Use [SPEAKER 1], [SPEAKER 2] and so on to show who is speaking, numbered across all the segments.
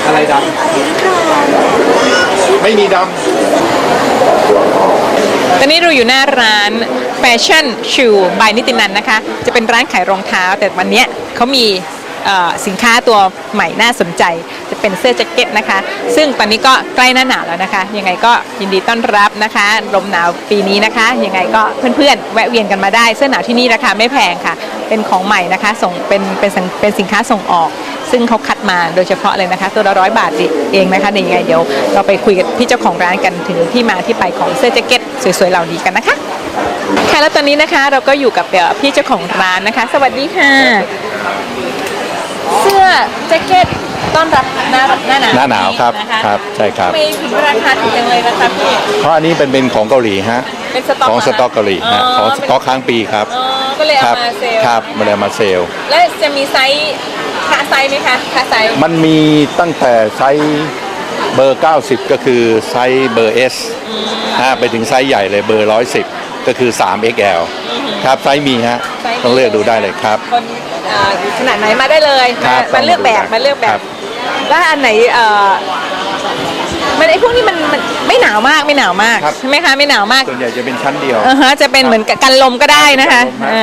[SPEAKER 1] อะไรดำไม่มีดำ
[SPEAKER 2] ตอนนี้เราอยู่หน้าร้าน Fashion Shoe by นิตินันนะคะ จะเป็นร้านขายรองเท้าแต่วันนี้เขามีสินค้าตัวใหม่น่าสนใจจะเป็นเสื้อแจ็คเก็ตนะคะซึ่งตอนนี้ก็ใกล้หน้าหนาวแล้วนะคะยังไงก็ยินดีต้อนรับนะคะลมหนาวปีนี้นะคะยังไงก็เพื่อนๆแวะเวียนกันมาได้เสื้อหนาวที่นี่ราคาไม่แพงค่ะเป็นของใหม่นะคะส่งเป็นสินค้าส่งออกซึ่งเขาคัดมาโดยเฉพาะเลยนะคะตัวละ100 บาทเองนะคะยังไงเดี๋ยวเราไปคุยกับพี่เจ้าของร้านกันถึงที่มาที่ไปของเสื้อแจ็คเก็ตสวยๆเหล่านี้กันนะคะค่ะแล้วตอนนี้นะคะเราก็อยู่กับพี่เจ้าของร้านนะคะสวัสดีค่ะเสื้อแจ็คเก็ตต้อนรับหน้าหนาว
[SPEAKER 1] ครับครับใช่ครับ
[SPEAKER 2] ไม่ถึงราคาถูกจังเลยนะคะพี่
[SPEAKER 1] เพราะอันนี้เป็นของเกาหลีฮะ
[SPEAKER 2] เป็นสต็อก
[SPEAKER 1] ของสต็อกเกาหลีฮะของสต็อกค้างปีครับ
[SPEAKER 2] ก็เลยเอามาเซล
[SPEAKER 1] ครับมาเลยมาเซล
[SPEAKER 2] และจะมีไซส์ค่าไซส์ไหมคะค่าไซส์
[SPEAKER 1] มันมีตั้งแต่ไซส์เบอร์90ก็คือไซส์เบอร์ S ไปถึงไซส์ใหญ่เลยเบอร์110ก็คือ 3XL ครับไซส์มีฮะต้องเลือกดูได้เลยครับ
[SPEAKER 2] ขนาดไหนมาได้เลยมาเลือกแบบแล้วอันไหนมันไอพวกนี้มันไม่หนาวมากใช่ไหมคะไม่หนาวมาก
[SPEAKER 1] ส่วนใหญ่จะเป็นชั้นเดียว
[SPEAKER 2] จะเป็นเหมือนกันลมก็ได้นะคะ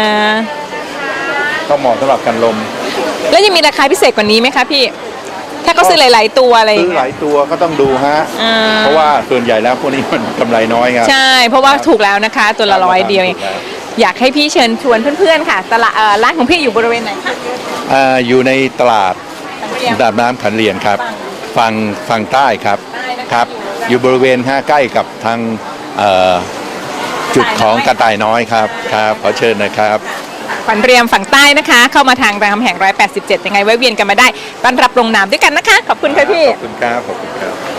[SPEAKER 1] ก็เหมาะสำหรับกันลม
[SPEAKER 2] แล้วยังมีราคาพิเศษกว่านี้ไหมคะพี่ถ้าเขาซื้อหลายๆตัวอะไร
[SPEAKER 1] ซื้อหลายตัวก็ต้องดูฮะเพราะว่าส่วนใหญ่แล้วพวกนี้มันกำไรน้อยครับ
[SPEAKER 2] ใช่เพราะว่าถูกแล้วนะคะตัวละ100 เดียวอยากให้พี่เชิญชวนเพื่อนๆค่ะตลาดร้านของพี่อยู่บริเวณไหนคะ
[SPEAKER 1] อยู่ในตลาดน้ำขันเรียนครับฝั่งใต้ครับอยู่บริเวณใกล้กับทางจุดของกระต่ายน้อยครับขอเชิญนะครับ
[SPEAKER 2] ขวัญเรียมฝั่งใต้นะคะเข้ามาทางรามคำแหง187ยังไงแวะเวียนกันมาได้ต้อนรับลงน้ำด้วยกันนะคะขอบคุณค่ะพี่
[SPEAKER 1] ขอบคุณครับ